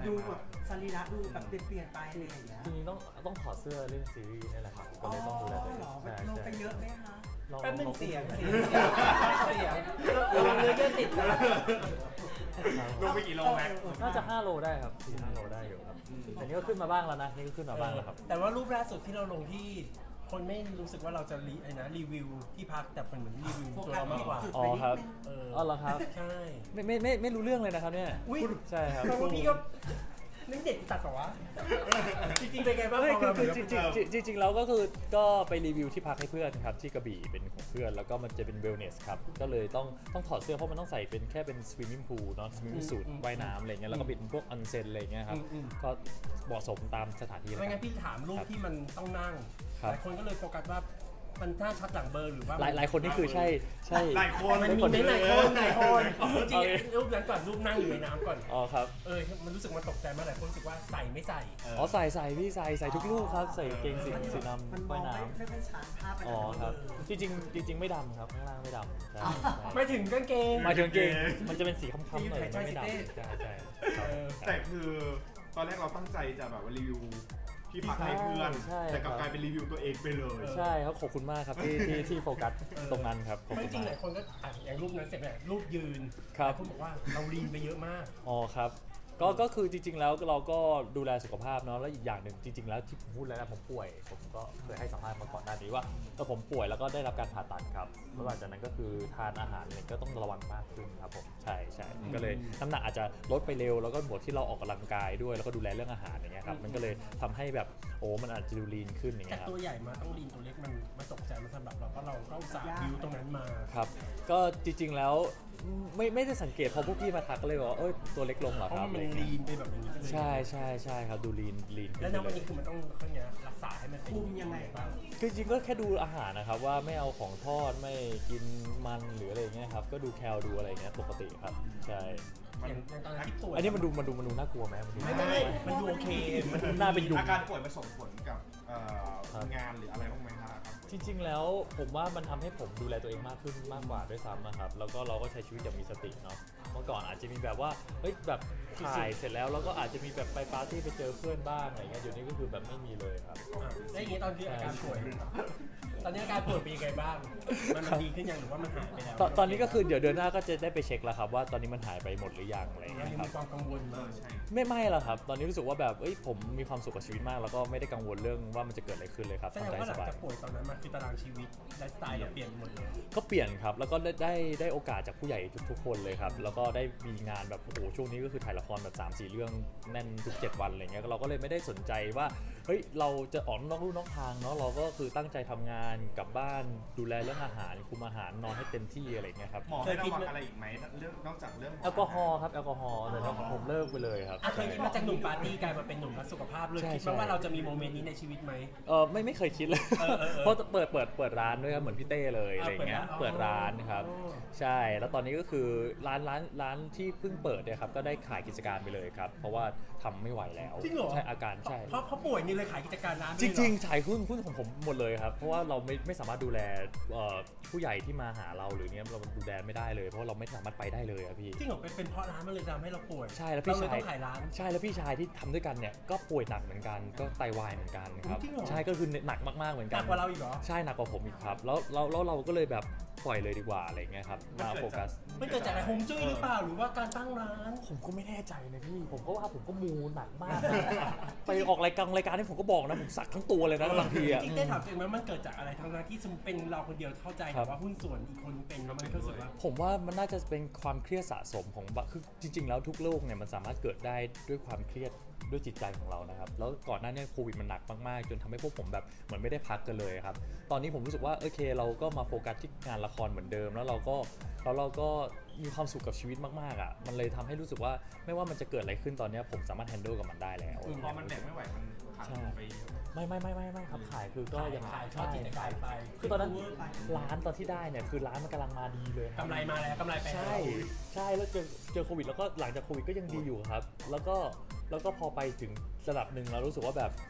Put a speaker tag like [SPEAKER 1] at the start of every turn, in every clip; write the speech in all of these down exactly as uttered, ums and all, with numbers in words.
[SPEAKER 1] ดูแบบสรีระดูแบบเปลี่ยนไปอะไรอย่างเงี้ย
[SPEAKER 2] ทีนี้ต้องต้องถอดเสื้อเล่นซีรีส์นี่แหละครับก็เลยต้องดูแลตัวเอง
[SPEAKER 1] หรอ
[SPEAKER 2] ใช่
[SPEAKER 1] ลง
[SPEAKER 2] ใช่
[SPEAKER 1] ไปเยอะไหมคะ
[SPEAKER 3] แป๊บนึงเสียง
[SPEAKER 2] เสี
[SPEAKER 3] เสียงเสียงเนื้อเยื่อติดนะ
[SPEAKER 4] ลงไปกี่โลแม็ก
[SPEAKER 2] น่าจะห้าโลได้ครับสี่ห้าโลได้อยู่ครับแต่นี่ก็ขึ้นมาบ้างแล้วนะนี่ก็ขึ้นมาบ้างแล้วครับ
[SPEAKER 3] แต่ว่ารูปล่าสุดที่เราลงที่คนไม่รู้สึกว่าเราจะรีไอ้นะรีวิวที่พักแต่เป็นเหมือนรีวิวตัวเรามากกว่า
[SPEAKER 2] อ๋อครับ
[SPEAKER 3] เออ
[SPEAKER 2] อ๋อเหรอครับ
[SPEAKER 3] ใช่
[SPEAKER 2] ไม่ไม่ไม่ไม่รู้เรื่องเลยนะครับเนี่ย
[SPEAKER 3] อุ้ย
[SPEAKER 2] ใช่ครับ
[SPEAKER 3] แปลว่าพี่ก็นี่เด็กตัดเหรอวะจริงๆเป็นไงบ้าง
[SPEAKER 2] ไม่
[SPEAKER 3] พอ
[SPEAKER 2] คือ
[SPEAKER 3] เรา
[SPEAKER 2] คือ
[SPEAKER 3] เห
[SPEAKER 2] จ
[SPEAKER 3] มื
[SPEAKER 2] ริ
[SPEAKER 3] อน
[SPEAKER 2] ง
[SPEAKER 3] กับ
[SPEAKER 2] จริงจริงๆแล้วก็คือก็ไปรีวิวที่พักให้เพื่อนครับที่กระบี่เป็นของเพื่อนแล้วก็มันจะเป็นเวลเนสครับก็เลยต้องต้องถอดเสื้อเพราะมันต้องใส่เป็นแค่เป็นสวิมมิ่งพูลเนาะสวิมมิ่งสูทว่ายน้ำอะไรเงี้ยแล้วก็เป็นพวกออนเซ็นอะไรเงี้ยครับก็เหมาะสมตามสถานที่เลย
[SPEAKER 3] ไม่
[SPEAKER 2] ค
[SPEAKER 3] งั้
[SPEAKER 2] รับ
[SPEAKER 3] นพี่ถามรูปที่มันต้องนั่ง
[SPEAKER 2] ครับ
[SPEAKER 3] หลายคนก็เลยโฟกัสว่ามันท่าชัดหลังเบอร์หรือว่า
[SPEAKER 2] หลายหลายคนนี่คือใช่ใช่
[SPEAKER 4] หลายคน
[SPEAKER 3] มันมีไหมหลายคนหลายคนจริงๆรูปนั้นก่อนรูปนั่งอยู่ในน้ำก่อน
[SPEAKER 2] อ๋อครับ
[SPEAKER 3] เออมันรู้สึกมันตกใจมากหลายคนรู้สึกว่าใส่ไม่ใส่
[SPEAKER 2] อ๋อใส่ใส่พี่ใส่ใส่ทุกลูกครับใส่เกงสีสีด
[SPEAKER 1] มัน
[SPEAKER 2] ำ
[SPEAKER 1] มอ
[SPEAKER 2] ว่าย
[SPEAKER 1] ง
[SPEAKER 2] น้
[SPEAKER 1] ไม่ไม่ค่อยชัดภาพไป
[SPEAKER 2] ำอ๋อครับจริงจริงๆจริงๆไม่ดำครับข้างล่างไม่ดำใช่ใช่
[SPEAKER 3] ไม่ถึงกางเกง
[SPEAKER 2] หมายถึงเกงมันจะเป็นสีค้ำๆหน่อย
[SPEAKER 3] ใช่
[SPEAKER 2] มันไม่ดำ
[SPEAKER 3] ใช่
[SPEAKER 2] ใช่ใช่
[SPEAKER 3] เออ
[SPEAKER 4] แต่คือตอนแรกเราตั้งใจจะแบบว่ารีวิวที่พักให้เพื่อน
[SPEAKER 2] ใช่
[SPEAKER 4] แต่กลับ
[SPEAKER 2] ครับ
[SPEAKER 4] กลายเป็นรีวิวตัวเองไปเลย
[SPEAKER 2] ใช่ครับขอบคุณมากครับที่ที่ที่โฟกัสตรงนั้นครับขอบ
[SPEAKER 3] ไม่
[SPEAKER 2] คุณ
[SPEAKER 3] จริงห
[SPEAKER 2] มา
[SPEAKER 3] ลาก ยคนก็อ่ะอย่างรูปนั้นเสร็จเนี่ยรูปยืน
[SPEAKER 2] ครับ
[SPEAKER 3] หลายคนบอกว่าเราลีนไปเยอะมาก
[SPEAKER 2] อ๋อครับก็ก็คือจริง ๆ แล้วเราก็ดูแลสุขภาพเนาะแล้วอีกอย่างหนึ่งจริง ๆ แล้วที่ผมพูดแล้วนะผมป่วยผมก็เคยให้สัมภาษณ์มาก่อนหน้านี้ว่าเออผมป่วยแล้วก็ได้รับการผ่าตัดครับแล้วหลังจากนั้นก็คือทานอาหารเนี่ยก็ต้องระวังมากขึ้นครับผมใช่ใช่ก็เลยน้ำหนักอาจจะลดไปเร็วแล้วก็บวกที่เราออกกำลังกายด้วยแล้วก็ดูแลเรื่องอาหารอย่างเงี้ยครับมันก็เลยทำให้แบบโอ้มันอาจจะดูลีนขึ้นอย่าง
[SPEAKER 3] จาก
[SPEAKER 2] เงี้ยครับ
[SPEAKER 3] ตัวใหญ่มาต้องลีนตัวเล็กมันมันตกใจมันสำหรับเราเพราะเราก็อุตส่าห์บิวตรงนั้นมา
[SPEAKER 2] ครับก็จริงๆแล้วไม่ไม่ได้สังเกตพอพวกพี่มาทักก็เลยบอกว่าเอ้ยตัวเล็กลงเหรอ
[SPEAKER 3] เพ
[SPEAKER 2] ค
[SPEAKER 3] ราะ
[SPEAKER 2] รับ
[SPEAKER 3] มันลีนไปแบบอย่างนี้ไปเลย
[SPEAKER 2] ใช่ใช่ใช่ครับดูลีนลีนขึ้
[SPEAKER 3] แล้ว
[SPEAKER 2] น
[SPEAKER 3] ณ
[SPEAKER 2] ไป
[SPEAKER 3] วัน
[SPEAKER 2] เล
[SPEAKER 3] นี้
[SPEAKER 2] ย
[SPEAKER 3] คือมันต้องเขาเนี้ยรักษาให้มันเป็น
[SPEAKER 1] คุมยังไงบ้าง
[SPEAKER 2] คือจริงๆก็แค่ดูอาหารนะครับว่าไม่เอาของทอดไม่กินมันหรืออะไรเงี้ยครับก็ดูแคลดูอะไรเงี้ยปกติครับใช่
[SPEAKER 3] อย่างอย่างตอนนั้นที่ป่วย
[SPEAKER 2] อันนี้มันดูมันดูมันดูน่ากลัวไหมมันดู
[SPEAKER 3] ไม่ไม่มันดูโอเคมัน
[SPEAKER 2] หน้าเป็นยุง
[SPEAKER 4] อาการป่วยมันส่งผลกับเอ่อ
[SPEAKER 2] ครับ
[SPEAKER 4] งานหรืออะไรบ้างไหมครับ
[SPEAKER 2] จริงๆแล้วผมว่ามันทำให้ผมดูแลตัวเองมากขึ้นมากกว่าด้วยซ้ำนะครับแล้วก็เราก็ใช้ชีวิตอย่างมีสติเนาะเมื่อก่อนอาจจะมีแบบว่าเฮ้ยแบบถ่ายเสร็จแล้วแล้วก็อาจจะมีแบบไปปาร์ตี้ไปเจอเพื่อนบ้างอะไรเงี้ยเดี๋ยวนี้ก็คือแบบไม่มีเลยครับ
[SPEAKER 3] อ่ะแล้วอย่างนี้ตอนที่อาการป่วย ตอนนี้อาการป่วยเป็นยังไงบ้าง มันมันดีขึ้นยังหรือว่ามันหายไปแล้ว
[SPEAKER 2] ตอนตอนนี้ก็คือเดี๋ยวเดือนหน้าก็จะได้ไปเช็คแล้วครับว่าตอนนี้มันหายไปหมดหรือยังอะไร
[SPEAKER 3] เรา
[SPEAKER 2] เงี้ย
[SPEAKER 3] ยัง
[SPEAKER 2] ครั
[SPEAKER 3] มี
[SPEAKER 2] บ
[SPEAKER 3] ความกังวล
[SPEAKER 4] เอ
[SPEAKER 3] มาก
[SPEAKER 4] อใช่
[SPEAKER 2] ไม่ไม่หรอกครับ ตอนนี้รู้สึกว่าแบบเอ้ยผมมีความสุขกับชีวิตมาก แล้วก็ไม่ได้กังวลเรื่องว่ามันจะเกิดอะไรขึ้นเลยครับ
[SPEAKER 3] แสดง
[SPEAKER 2] ทำใจ
[SPEAKER 3] ว่าห
[SPEAKER 2] ส
[SPEAKER 3] ลัง
[SPEAKER 2] บาย
[SPEAKER 3] จากป่วยตอนนั้นมันคือตารางชีวิตไลฟ์สไตล์เราเปลี่ยนหมดเลย
[SPEAKER 2] ก็เปลี่ยนครับ แล้วก็ได้ได้ได้โอกาสจากผู้ใหญ่ทุกๆคนเลยครับ แล้วก็ได้มีงานแบบโอ้โหช่วงนี้ก็คือถ่ายละครแบบ สามสี่ เรื่องแน่นทุกเจ็ดวันอะไรเงี้ยเราก็เลยไม่ได้สนใจว่าเฮ้ยเราจะออกนอกลู่นอกทางเนาะเราก็คือตั้งใจทำงานกลับบ้านดูแลเรื่องอาหารคุมอาหารนอนให้เต็มที่อะไรเงี้ยครับ
[SPEAKER 4] หมอให้ระวังอะไรอีกไหมเรื่องนอกจากเรื่อง
[SPEAKER 2] แอลกอฮอล์ครับแอลกอฮอล์แต่ผมเลิกไปเลยครับ
[SPEAKER 3] อ่ะเคยคิดมาจากหนุ่มปาร์ตี้กลายมาเป็นหนุ่มรักสุขภาพเลย
[SPEAKER 2] ใช่
[SPEAKER 3] คิด
[SPEAKER 2] ใช่
[SPEAKER 3] ไหมว่าเราจะมีโมเมนต์นี้ในชีวิตไหม
[SPEAKER 2] เออไม่ไม่เคยคิดเลย
[SPEAKER 3] เออเออเออ
[SPEAKER 2] เพราะเปิดเปิดเปิดร้านด้วยครับเหมือนพี่เต้เลยอะไรเงี้ย
[SPEAKER 3] อ่าเปิ
[SPEAKER 2] เปิ
[SPEAKER 3] ด
[SPEAKER 2] ด
[SPEAKER 3] ร้า
[SPEAKER 2] ร้าน นครับ
[SPEAKER 3] อ๋อ
[SPEAKER 2] ใช่แล้วตอนนี้ก็คือร้านร้านร้านที่เพิ่งเปิดเนี่ยครับก็ได้ขายกิจการไปเลยครับเพราะว่าทำไม่ไหวแล้ว
[SPEAKER 3] จริงเหรอ
[SPEAKER 2] ใช่อาการใช่
[SPEAKER 3] เพราะเขาป่วยนี่เลยขายกิจการร้าน
[SPEAKER 2] จริงๆขายหุ้นหุ้นของผมหมดเลยครับเพราะว่าเราไม่ไม่สามารถดูแลเอ่อผู้ใหญ่ที่มาหาเราหรือเนี้ยเราดูแลไม่ได้เลยเพราะเราไม่สามารถไปได้เลยอะพี่
[SPEAKER 3] จริงเหรอเป็นเป็นเพราะร้านมันเลยทำให้เราป่วย
[SPEAKER 2] ใช่แล้วพี่
[SPEAKER 3] เราเลย
[SPEAKER 2] ชาย
[SPEAKER 3] ต้องขายร้าน
[SPEAKER 2] ใช่แล้วพี่ชายที่ทำด้วยกันเนี่ยก็ป่วยหนักเหมือนกันก็ไตวายเหมือนกันครับ
[SPEAKER 3] จริงเหรอ
[SPEAKER 2] ใช่ก็คือหนักมากๆเหมือน
[SPEAKER 3] ห
[SPEAKER 2] กั
[SPEAKER 3] นั
[SPEAKER 2] น
[SPEAKER 3] กกว่าเราอีกเหรอ
[SPEAKER 2] ใช่หนักกว่าผมอีกครับแล้วแล้วแล้วเราก็เลยแบบปล่อยเลยดีกว่าอะไรเงี้ยครับมาโฟกัส
[SPEAKER 3] มันเกิดจากอะไรฮวงจุ้ยหรือเปล่าหรือว่าการตั้งร้าน
[SPEAKER 2] ผมก็ไม่แน่ใจนะพี่ผมก็ว่าผมก็มูหนักมากนะไปออกรายการรายการที่ผมก็บอกนะผมสักทั้งตัวเลยนะบางทีอะ
[SPEAKER 3] จริงๆได้ถามตัวเองไหมมันเกิดจากอะไรทั้งนั้นที่สมมติเป็นเราคนเดียวเข้าใจ
[SPEAKER 2] ครั
[SPEAKER 3] แต่
[SPEAKER 2] บ
[SPEAKER 3] ว่าหุ้นส่วนอีกคนเป็นแล้วมันก็รู้สึกว่า
[SPEAKER 2] ผมว่ามันน่าจะเป็นความเครียดสะสมของบะคือจริง ๆ แล้วทุกโรคเนี่ยมันสามารถเกิดได้ด้วยความเครียดด้วยจิตใจของเรานะครับแล้วก่อนหน้านี้โควิดมันหนักมากๆจนทำให้พวกผมแบบเหมือนไม่ได้พักกันเลยครับตอนนี้ผมรู้สึกว่าโอเคเราก็มาโฟกัสที่งานละครเหมือนเดิมแล้วเราก็แล้วเราก็มีความสุขกับชีวิตมากๆอ่ะมันเลยทำให้รู้สึกว่าไม่ว่ามันจะเกิดอะไรขึ้นตอนนี้ผมสามารถแฮนด์ลกับมันได้แล้ว
[SPEAKER 4] พอมันแบกไม่ไหวมันขาดทุนไปเยอะ
[SPEAKER 2] ไม่ไม่ไม่ไม่ไม่ครับขายคือก็ยัง
[SPEAKER 3] ขาย
[SPEAKER 2] ใช่
[SPEAKER 3] ขายขายไป
[SPEAKER 2] คือตอนนั้นร้านตอนที่ได้เนี่ยคือร้านมันกำลังมาดีเลยคบ
[SPEAKER 3] กำไรมาแล้วกำไรไปแล้ว
[SPEAKER 2] ใช่ใช่แล้วเจอเจอโควิดแล้วก็หลังจากโควิดก็ยังดีอยู่ครับ แล้วก็แล้วก็พอไปถึงระดับหนึ่งเรารู้สึกว่าแบบ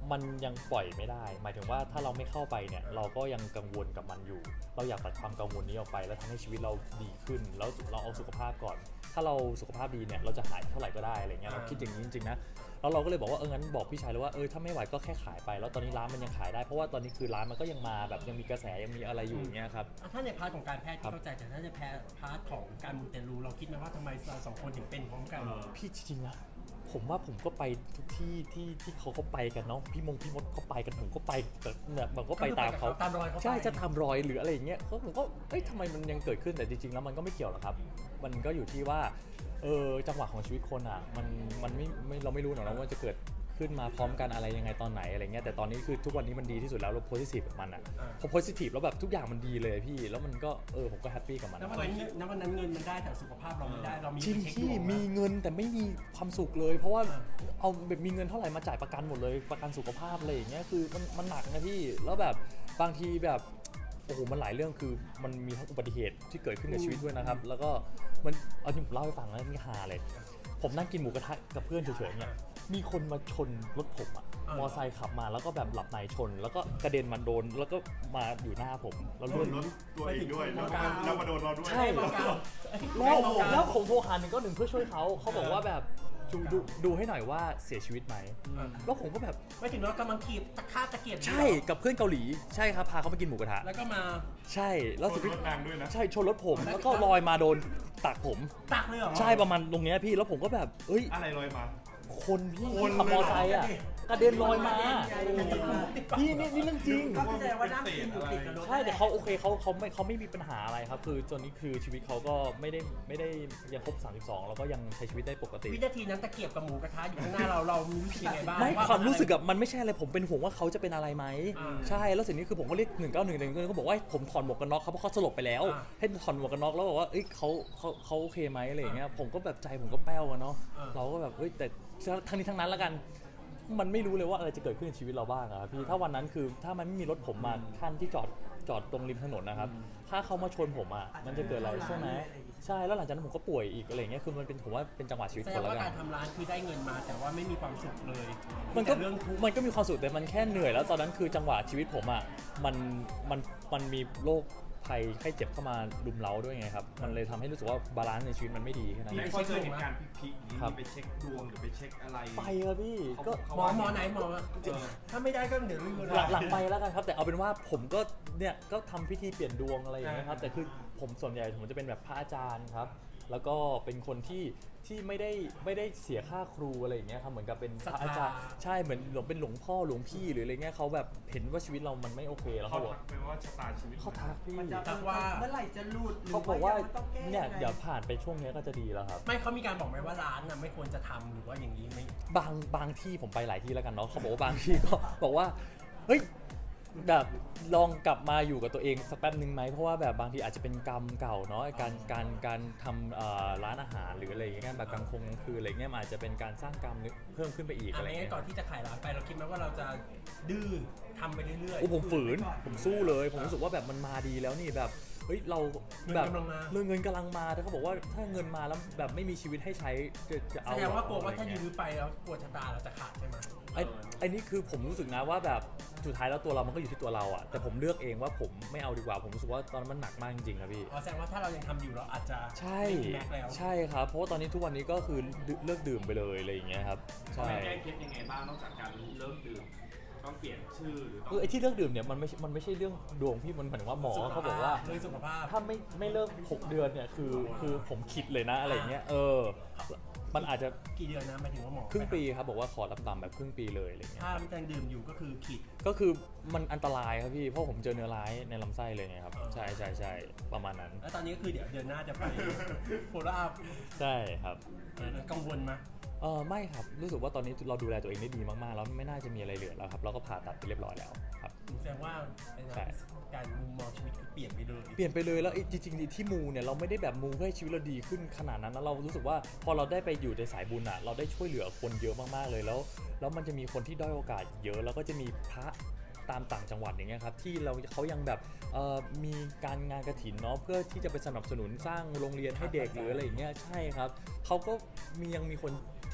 [SPEAKER 2] มันยังปล่อยไม่ได้ หมายถึงว่าถ้าเราไม่เข้าไปเนี่ยเราก็ยังกังวลกับมันอยู่ เราอยากตัดความกังวลนี้ออกไปแล้วทำให้ชีวิตเราดีขึ้นแล้วเราเอาสุขภาพก่อน ถ้าเราสุขภาพดีเนี่ยเราจะหายเท่าไหร่ก็ได้อะไรเงี้ยเราคิดอย่างนี้จริงๆนะแล้วเราก็เลยบอกว่าเอองั้นบอกพี่ชายเลยว่าเออถ้าไม่ไหวก็แค่ขายไปแล้วตอนนี้ร้านมันยังขายได้เพราะว่าตอนนี้คือร้านมันก็ยังมาแบบยังมีกระแสยังมีอะไรอยู่เงี้ยครับ
[SPEAKER 3] อ่ะถ้าในพาร์ทของการแพทย์ที่เข้าใจแต่ถ้าในแพทย์พาร์ทของการมูเตลูเราคิดไหมว่าทำไมเราสองคนถึงเป็นพร้อมกัน
[SPEAKER 4] เออ
[SPEAKER 2] พี่จริงๆนะผมว่าผมก็ไปทุกที่ที่ที่เขาเขาไปกันเนาะพี่มงพี่มดเขาไปกันผมก็ไปแต่เนี่ยมันก็ไปตามเขา
[SPEAKER 3] ตามรอยเขาไป
[SPEAKER 2] ใช่จะทำรอยหรืออะไรอย่างเงี้ยเขาผมก็เอ้ยทำไมมันยังเกิดขึ้นแต่จริงๆแล้วมันก็ไม่เกี่ยวหรอกครับ มันก็อยู่ที่ว่าเออจังหวะของชีวิตคนอ่ะมันมันไม่ไม่เราไม่รู้หรอกนะว่าจะเกิดขึ้นมาพร้อมกันอะไรยังไงตอนไหนอะไรเงี้ยแต่ตอนนี้คือทุกวันนี้มันดีที่สุดแล้วเราโพสิทีฟกับมันอ่ะพอโพสิทีฟแล้วแบบทุกอย่างมันดีเลยพี่แล้วมันก็เออผมก็แฮปปี้กับมัน
[SPEAKER 3] แล้ววันนั้นณวันนั้นเงินมันได้แต่สุขภาพเราไม่ได้เรามี
[SPEAKER 2] จริง
[SPEAKER 3] ไปเช็ค
[SPEAKER 2] ที่
[SPEAKER 3] ดวง
[SPEAKER 2] มี
[SPEAKER 3] ไหม
[SPEAKER 2] เงินแต่ไม่มีความสุขเลย เพราะว่าเอาแบบมีเงินเท่าไหร่มาจ่ายประกันหมดเลยประกันสุขภาพอะไรอย่างเงี้ยคือมันมันหนักนะพี่แล้วแบบบางทีแบบโอ้โหมันหลายเรื่องคือมันมีทั้งอุบัติเหตุที่เกิดขึ้นกับชีวิตด้วยนะครับแล้วก็มันเอาจริงผมเล่าให้ฟังแล้วนี่ฮาเลยผมนั่งกินหมูกระทะกับเพื่อนเฉยๆเนี่ยมีคนมาชนรถผมอะมอไซค์ขับมาแล้วก็แบบหลับในชน แล้วก็กระเด็นมาโดนแล้วก็มาอยู่หน้าผมแล้ว
[SPEAKER 4] โด
[SPEAKER 2] เลือน ด
[SPEAKER 4] รถตัวเองด้วยแล้วก็แล้วมาโดนเราด้วย
[SPEAKER 2] ใช่ แล้วแล้วผมโทรหาหนึ่งก็หนึ่งเพื่อช่วยเขาเขาบอกว่าแบบดูดูดูให้หน่อยว่าเสียชีวิตไหมแล้วผมก็แบบ
[SPEAKER 3] ไม่ถึงว่ากำลังขีบตะฆ่าตะเกียบอยู่
[SPEAKER 2] ใช่กับเพื่อนเกาหลีใช่ครับพาเขาไปกินหมูกระทะ
[SPEAKER 3] แล้วก็มา
[SPEAKER 2] ใช่แล้วสุด
[SPEAKER 4] รถนางด้วยนะ
[SPEAKER 2] ใช่ชนรถผมแล้วก็ลอยมาโดนตักผม
[SPEAKER 3] ตักเลยเหรอ
[SPEAKER 2] ใช่ประมาณตรงเนี้ยพี่แล้วผมก็แบบเอ้ย
[SPEAKER 4] อะไรลอยมา
[SPEAKER 2] คนพี่
[SPEAKER 4] คน
[SPEAKER 2] ขับมอไซค์อ่ะกระเด็นลอยมา
[SPEAKER 1] พี่
[SPEAKER 2] พี่นี่นี่เรื่องจริง
[SPEAKER 1] ก็แสดงว่านั่งกินอยู่ติดกับรถ
[SPEAKER 2] ใช่แต่เขาโอเคเขาเขาไม่เขาไม่มีปัญหาอะไรครับคือจนนี้คือชีวิตเขาก็ไม่ได้ไม่ได้ยังครบสามสิบสองแล้วก็ยังใช้ชีวิตได้ปกติ
[SPEAKER 3] วินาทีนั้นตะเกียบกับหมูกระทะอยู่ข้างหน้าเราเรามีรู้สึกยังไงบ้าง
[SPEAKER 2] ไม่ความรู้สึกอะมันไม่ใช่อะไรผมเป็นห่วงว่าเขาจะเป็นอะไรไหม
[SPEAKER 3] อ่า
[SPEAKER 2] ใช่แล้วสิ่งนี้คือผมก็เรียกหนึ่งเก้าหนึ่งหนึ่งเขาบอกว่าผมถอดหมวกกันน็อกเขาเพราะเขาสลบไปแล้ว
[SPEAKER 3] อ่า
[SPEAKER 2] ให้ถอดหมวกกันน็อกแล้วบอกว่าเอ้ยเขาเขาเขาโอเคไหมอะไรอย่างเงี้ยผมก็แบบใจผมก็แป้วอะเนาะ
[SPEAKER 3] อ่า
[SPEAKER 2] เราก็แบบเฮ้ยแต่ทั้งนี้ทั้งนั้นแล้วกัน มันไม่รู้เลยว่าอะไรจะเกิดขึ้นในชีวิตเราบ้างอะครับพี่ถ้าวันนั้นคือถ้ามันไม่มีรถผมมาขั้นที่จอดจอดตรงริมถนนนะครับถ้าเขามาชนผมอะมันจะเกิดอะไรใช่ไหมใช่แล้วหลังจากนั้นผมก็ป่วยอีกอะไรอย่างเงี้ยคือมันเป็นผมว่าเป็นจังหวะชีวิต
[SPEAKER 3] แส
[SPEAKER 2] ค
[SPEAKER 3] ด
[SPEAKER 2] น
[SPEAKER 3] ง
[SPEAKER 2] แล้ว
[SPEAKER 3] ว่า
[SPEAKER 2] กั
[SPEAKER 3] กาน รทำร้านคือได้เงินมาแต่ว่าไม่มีความสุขเลย
[SPEAKER 2] มันก็
[SPEAKER 3] แต่เรื่องทุกข์
[SPEAKER 2] มันก็มีความสุขแต่มันแค่เหนื่อยแล้วตอนนั้นคือจังหวะชีวิตผมอ่ะมันมันมันมีโรคภัยไข้เจ็บเข้ามารุมเร้าด้วยไงครับมันเลยทำให้รู้สึกว่าบาลานซ์ในชีวิตมันไม่ดีแค่นั้น
[SPEAKER 4] มี
[SPEAKER 2] เอง
[SPEAKER 4] พอเจอเหตุการณ์พลิกๆนี้
[SPEAKER 2] ครับ
[SPEAKER 4] ไปเช็คดวงหรือไปเช็คอะไร
[SPEAKER 2] ไปครับพี่ก็
[SPEAKER 4] เขา
[SPEAKER 3] หมอหมอไหนหมอถ้าไม่ได้ก็เดี๋ยวรีวิว
[SPEAKER 2] หลังหลังไปแล้วกันครับแต่เอาเป็นว่าผมก็เนี่ยก็ทำพิธีเปลี่ยนดวงอะไรอย่างเงี้ยครับแต่คือผมส่วนใหญ่ผมจะเป็นแบบพระอาจารย์ครับแล้วก็เป็นคนที่ที่ไม่ได้ไม่ได้เสียค่าครูอะไรอย่างเงี้ยครับเหมือนกับเป็นพระอาจารย์ใช่เหมือนหลวงเป็นหลวงพ่อหลวงพี่หรืออะไรเงี้ยเขาแบบเห็นว่าชีวิตเรามันไม่โอเคแล้ว
[SPEAKER 4] เขา
[SPEAKER 2] เขาบอก
[SPEAKER 4] ทักไปว่าชะตาชีวิต
[SPEAKER 2] เขาทักพี่
[SPEAKER 1] มันจะเมื่อไหร่จะหลุดหรื
[SPEAKER 2] เขาบอกว่า
[SPEAKER 1] มันต้องแก้
[SPEAKER 2] เนี่ย
[SPEAKER 1] งไง
[SPEAKER 2] เดี๋ยวผ่านไปช่วงนี้ก็จะดีแล้วครับ
[SPEAKER 3] ไม่เขามีการบอกไหมว่าร้านน่ะไม่ควรจะทำหรือว่าอย่างนี้ไม่
[SPEAKER 2] บางบางที่ผมไปหลายที่แล้วกันเนาะเขาบอกว่าบางที่ก็ บอกว่าเฮ้ยแบบลองกลับมาอยู่กับตัวเองสักแป๊บนึงไหมเพราะว่าแบบบางทีอาจจะเป็นกรรมเก่าเนาะการการการทำเอ่อร้านอาหารหรืออะไรอย่างเงี้ยแบบกลางคงกลางคืนอะไรเงี้ยมันอาจจะเป็นการสร้างกรรมเพิ่มขึ้นไปอีก
[SPEAKER 3] อะ
[SPEAKER 2] อะไร ไร
[SPEAKER 3] งั้
[SPEAKER 2] เงี้
[SPEAKER 3] น
[SPEAKER 2] ย
[SPEAKER 3] ก่อนที่จะขายร้านไปเราคิดไหมว่าเราจะดื้อทำไปเรื่อย
[SPEAKER 2] โอ้ผมฝืนผมสู้เลย ผมรู้สึกว่าแบบมันมาดีแล้วนี่แบบเฮ้ยเราแบบเรื่องเงินกำลังมาแต่เขาบอกว่าถ้าเงินมาแล้วแบบไม่มีชีวิตให้ใช้จะจะ
[SPEAKER 3] ๆ
[SPEAKER 2] เอา
[SPEAKER 3] แสดงว่ากลัวว่าถ้า
[SPEAKER 2] อะไร
[SPEAKER 3] ยื
[SPEAKER 2] เงี้ย
[SPEAKER 3] ้อไปแล้วกลัวชะตาเราจะขาดใช่ไหม
[SPEAKER 2] ไอ้ไอ้นี่คือผมรู้สึกนะว่าแบบสุดท้ายแล้วตัวเรามันก็อยู่ที่ตัวเราอะแต่ผมเลือกเองว่าผมไม่เอาดีกว่าผมรู้สึกว่าตอนนั้นมันหนักมากจริงๆครับพี่
[SPEAKER 3] อ๋อแสดงว่าถ้าเรายังทำอยู่เราอาจจะ
[SPEAKER 2] ใช่
[SPEAKER 3] ไม่มีแม็กซ์แล้ว
[SPEAKER 2] ใช่ครับเพราะว่าตอนนี้ทุกวันนี้ก็คือเลิกดื่มไปเลยอะไรอย่างเงี้ยครับใช่
[SPEAKER 5] แก้เคล็ดยังไงบ้างนอกจากการเลิกดื่มต้องเปลี่ยนชื่อหรือต้อ
[SPEAKER 2] คื
[SPEAKER 5] ง
[SPEAKER 2] อไอ้ที่เลิกดื่มเนี่ยมันไม่มันไม่ใช่เรื่องดวงพี่มันหมายถึงว่าหมอเขาบอกว่า
[SPEAKER 3] เรื่องสุขภาพ
[SPEAKER 2] ถ้าไม่ไม่เลิกหกเดือนเนี่ยคือคือผมคิดเลยนะอะไรอย่างเงี้ยเออมันอาจจะ
[SPEAKER 3] กี่เดือนนะหมายถึงว่าหมอ
[SPEAKER 2] ครึ่งปีครับบอกว่าขอต่ำๆแบบครึ่งปีเลยอะไรเงี้ย
[SPEAKER 3] ถ้ามันยังดื่มอยู่ก็คือขีด
[SPEAKER 2] ก็คือมันอันตรายครับพี่เพราะผมเจอเนื้อร้ายในลำไส้เลยไงครับ
[SPEAKER 3] อ๋อ
[SPEAKER 2] ใช่ใช่ใช่ประมาณนั้น
[SPEAKER 3] แล้วตอนนี้ก็คือเดี๋ยวเดือนหน้าจะไปโฟล์อัพ
[SPEAKER 2] ใช่ครับ
[SPEAKER 3] กังวลไหม
[SPEAKER 2] เออไม่ครับรู้สึกว่าตอนนี้เราดูแลตัวเองได้ดีมากๆแล้วไม่น่าจะมีอะไรเหลือแล้วครับเราก็ผ่าตัดไปเรียบร้อยแล้วครับ
[SPEAKER 3] แสดงว่าไอ้นะ
[SPEAKER 2] ใช่
[SPEAKER 3] การมุมมองชีวิตคือเปลี่ยนไปเลย
[SPEAKER 2] เปลี่ยนไปเลยแล้วไอ้จริงๆที่มูเนี่ยเราไม่ได้แบบมูเพื่อให้ชีวิตเราดีขึ้นขนาดนั้นนะเรารู้สึกว่าพอเราได้ไปอยู่ในสายบุญอ่ะเราได้ช่วยเหลือคนเยอะมากๆเลยแล้วแล้วมันจะมีคนที่ด้อยโอกาสเยอะแล้วก็จะมีพระตามต่างจังหวัดอย่างเงี้ยครับที่เราเขายังแบบเอ่อมีการงานกฐินเนาะเพื่อที่จะไปสนับสนุนสร้างโรงเรียนให้เด็กหรืออะไรอย่างเงี้ยใช่ครับเขาก็มียังมีคนท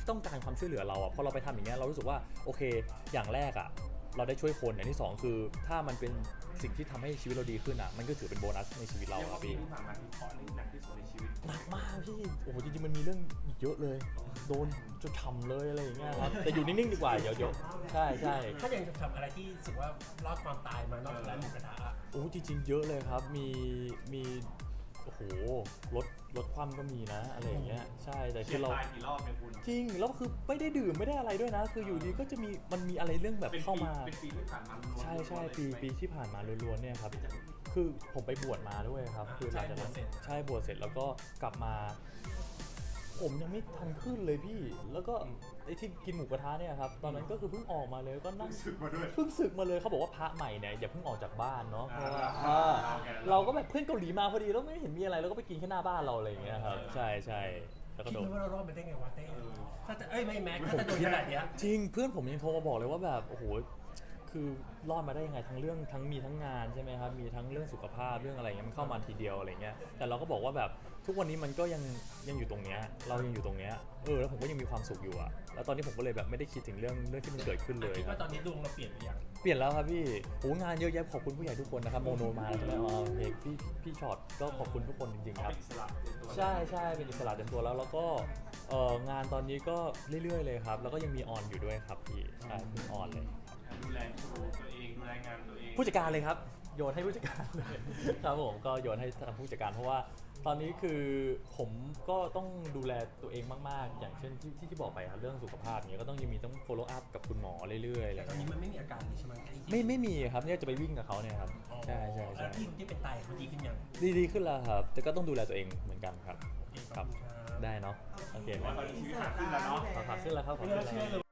[SPEAKER 2] ที่ต้องการความช่วยเหลือเราอ่ะพอเราไปทำอย่างเงี้ยเรารู้สึกว่าโอเคอย่างแรกอ่ะเราได้ช่วยคนอย่างที่สองคือถ้ามันเป็นสิ่งที่ทำให้ชีวิตเราดีขึ้นอ่ะมันก็ถือเป็นโบนัสในชีวิตเรา
[SPEAKER 5] เรียก
[SPEAKER 2] ครั
[SPEAKER 5] ว่า
[SPEAKER 2] บ
[SPEAKER 5] ปี
[SPEAKER 2] พี่
[SPEAKER 5] ที่ผ่านมาที่เคาะนี่หนักที่สุดในชีวิต
[SPEAKER 2] หนักมากพี่โอ้โหจริงๆมันมีเรื่องอีกเยอะเลยโดนจนทำเลยอะไรอย่างเงี้ยครับแต่อยู่นิ่งๆดีกว่าเดี๋ยวเดี๋ยวใช่ใช่
[SPEAKER 3] ถ้าอย่างจะทำอะไรที่รู้สึกว่ารอดความตายมานอกจากร้านหมูกระทะอะ
[SPEAKER 2] โอ้จริงๆ เยอะเลยครับ มี มี โอ้โห รถ รถคว่ำก็มีนะ อะไรอย่างเงี้ย ใช่ แต่
[SPEAKER 5] เฉี
[SPEAKER 2] คื
[SPEAKER 5] ยด
[SPEAKER 2] อเรา
[SPEAKER 5] ตายกี่รอบเนี่ยคุณ
[SPEAKER 2] จริง แล้วคือไม่ได้ดื่มไม่ได้อะไรด้วยนะ คืออยู่ดีก็จะมี มันมีอะไรเรื่องแบบ
[SPEAKER 5] เป็น
[SPEAKER 2] เข้า
[SPEAKER 5] ปี
[SPEAKER 2] มา
[SPEAKER 5] เป็นปีที่ผ่านมาล้วนๆ
[SPEAKER 2] ใช่ใช่
[SPEAKER 5] เลย
[SPEAKER 2] ปี
[SPEAKER 5] ไหม
[SPEAKER 2] ปีที่ผ่านมาล้วนๆ เนี่ยครับ คือผมไปบวชมาด้วยครับ คือหลังจากนั้นใช่บวชเสร็จแล้วก็กลับมา ผมยังไม่ทันขึ้นเลยพี่ แล้วก็ไอ้ที่กินหมูกระทะเนี่ยครับ ตอนนั้นก็คือเพิ่งออกมาเลยก็นั่ง
[SPEAKER 4] สึกมาด้วย
[SPEAKER 2] เพิ่งศึกมาเลยเขาบอกว่าพระใหม่เนี่ยอย่าเพิ่งออกจากบ้านเนาะเพราะว่า
[SPEAKER 5] อ่า
[SPEAKER 2] อ่า
[SPEAKER 5] โอเค
[SPEAKER 2] เราก็แบบเพื่อนเกาหลีมาพอดีแล้วไม่เห็นมีอะไรเราก็ไปกินแค่หน้าบ้านเราอะไรอย่างเงี้ยครับใช่ใช่แล้วก็
[SPEAKER 3] คิด
[SPEAKER 2] โดน
[SPEAKER 3] ว่าเรารอดมาได้ไงวะเต้ถ้าจะเอ้ยไม่แม็กถ้าจะโดนขนาดเนี้ย
[SPEAKER 2] จริงเพื่อนผมยังโทรมาบอกเลยว่าแบบโอ้โหคือรอดมาได้ยังไงทั้งเรื่องทั้งมีทั้งงานใช่ไหมครับมีทั้งเรื่องสุขภาพเรื่องอะไรเงี้ยมันเข้ามาทีเดียวอะไรเงี้ยแต่เราก็บอกว่าแบบทุกวันนี้มันก็ยังยังอยู่ตรงเนี้ยเรายังอยู่ตรงเนี้ยเออแล้วผมก็ยังมีความสุขอยู่อะแล้วตอนนี้ผมก็เลยแบบไม่ได้คิดถึงเรื่องเรื่องที่มันเกิดขึ้นเลย
[SPEAKER 3] คิด
[SPEAKER 2] ครั
[SPEAKER 3] ว่า
[SPEAKER 2] บ
[SPEAKER 3] ตอนนี้ดวงเราเปลี่ยนหรือยัง
[SPEAKER 2] เปลี่ยนแล้วครับพี่โหงานเยอะแยะขอบคุณผู้ใหญ่ทุกคนนะครับโมโนมาแล้วใช่ไหมอ๋อโอเคพี่พี่ช็อตก็ขอบคุณทุกคนจริงๆ
[SPEAKER 5] เขา
[SPEAKER 2] ครับ
[SPEAKER 5] เป็นอิสระเต็มตัว
[SPEAKER 2] ใช่ใช่เป็นอิสระเต็มตัวแล้วแล้วก็เอ่องานตอนนี้ก็เรื่อยๆเลยครับ แล้วก็ยังมีออนอยู่ด้วยครับพี่ใช่เพิ่งออนเลย
[SPEAKER 5] ดูแลตัวเองดูแลงานตัวเอง
[SPEAKER 2] ผู้จัดการเลยครับโยนให้ผู้จัดการเลยครับผมก็โยนให้ทางผู้จัดการเพราะว่าตอนนี้คือผมก็ต้องดูแลตัวเองมากๆ อย่างเช่นที่ที่ที่บอกไปครับเรื่องสุขภาพเนี้ยก็ต้องยังมีต้อง follow up กับคุณหมอเรื่อยๆอะไร
[SPEAKER 3] แต่ตอน
[SPEAKER 2] เงี้
[SPEAKER 3] นี้
[SPEAKER 2] ย
[SPEAKER 3] มันไม่มีอาการเลยใช่ไหม
[SPEAKER 2] ไม่ไม่มีครับเนี่ยจะไปวิ่งกับเขาเนี่ยครับใช่ใช่
[SPEAKER 3] แล้
[SPEAKER 2] ใช่
[SPEAKER 3] วที่ที่เป็นไตเขาดีขึ้นยัง
[SPEAKER 2] ดีดีขึ้นแล้วครับ แต่ก็ต้องดูแลตัวเองเหมือนกันครับ
[SPEAKER 3] โอเค
[SPEAKER 2] ครับ
[SPEAKER 3] ขอบคุณครับ
[SPEAKER 2] ได้เนาะโอเคไหม
[SPEAKER 5] ว่าตอนนี้ชีวิตหนักขึ้นแล้วเนาะ
[SPEAKER 2] ขอขับขึ้นแล้วครับขอ
[SPEAKER 3] ไม่
[SPEAKER 2] ขึ้น
[SPEAKER 3] น่า
[SPEAKER 2] แล้ว
[SPEAKER 3] เชื่อเลย